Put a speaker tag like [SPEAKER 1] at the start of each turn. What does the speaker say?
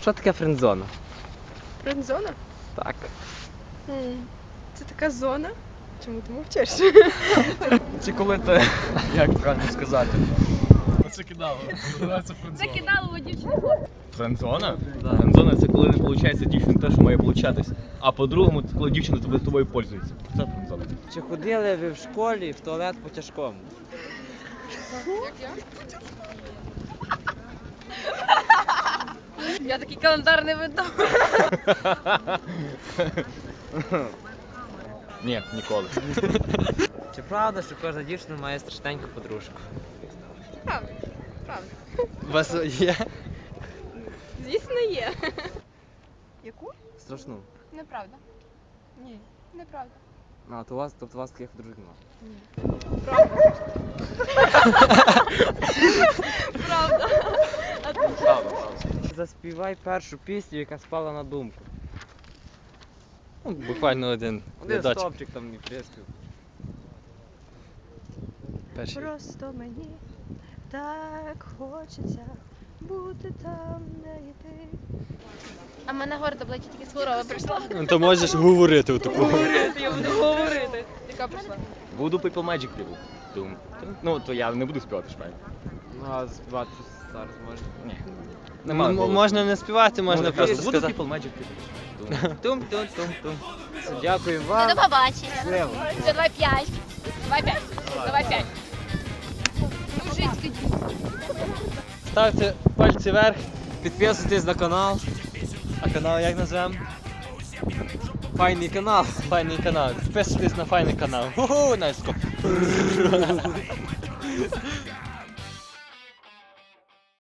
[SPEAKER 1] що таке френдзона?
[SPEAKER 2] Френдзона?
[SPEAKER 1] Так.
[SPEAKER 2] Це така зона. Чому ти мовчиш?
[SPEAKER 3] Чи коли ти, як правильно сказати? Це кидало. Називається френдзона.
[SPEAKER 2] Закидало дівчину.
[SPEAKER 3] Френдзона?
[SPEAKER 1] Да.
[SPEAKER 3] Френдзона це коли не виходить дівчина те, що має получатись. А по-другому, це коли дівчина тобою пользується. Це френдзона.
[SPEAKER 1] Чи ходили ви в школі в туалет по тяжкому?
[SPEAKER 2] Як я? Я такий календар не веду.
[SPEAKER 3] Ні, ніколи.
[SPEAKER 1] Чи правда, що кожна дівчина має страшненьку подружку?
[SPEAKER 2] Правда. Правда.
[SPEAKER 1] У вас є?
[SPEAKER 2] Звісно, є. Яку?
[SPEAKER 1] Страшну.
[SPEAKER 2] Неправда. Ні, неправда.
[SPEAKER 1] А, то у вас, тобто у вас таких подружок нема?
[SPEAKER 2] Ні. Правда. Правда.
[SPEAKER 1] Правда, правда. Заспівай першу пісню, яка спала на думку.
[SPEAKER 3] Ну, буквально один
[SPEAKER 1] Один
[SPEAKER 3] рядочок.
[SPEAKER 1] стопчик там і приспів.
[SPEAKER 3] Перший.
[SPEAKER 2] Просто мені так хочеться бути там, де і ти. А в мене гордо обличчя тільки хвороба прийшла.
[SPEAKER 3] Ну, то можеш говорити отаку.
[SPEAKER 2] Говорити, я буду говорити. Яка прийшла?
[SPEAKER 3] Буду People Magic People. Дум. Ну, то я не буду співати шпай.
[SPEAKER 1] Ну, а заспівати щось зараз можна?
[SPEAKER 3] Ні. Нема голосу.
[SPEAKER 4] Можна не співати, можна
[SPEAKER 3] Ну,
[SPEAKER 4] просто
[SPEAKER 3] буду
[SPEAKER 4] сказати.
[SPEAKER 3] People Magic People. Дум.
[SPEAKER 4] Тум-тум-тум-тум.
[SPEAKER 1] Дякую
[SPEAKER 5] До
[SPEAKER 1] вам.
[SPEAKER 5] побачення.
[SPEAKER 1] Щасливо.
[SPEAKER 5] Все, давай 5. Давай 5. Давай 5. Мужицький.
[SPEAKER 4] Ставте пальці вверх,
[SPEAKER 1] Підписуйтесь на канал.
[SPEAKER 4] а канал як назвемо?
[SPEAKER 1] Файний канал.
[SPEAKER 4] Файний канал. Підписуйтесь на файний канал. Ху-ху, Настя.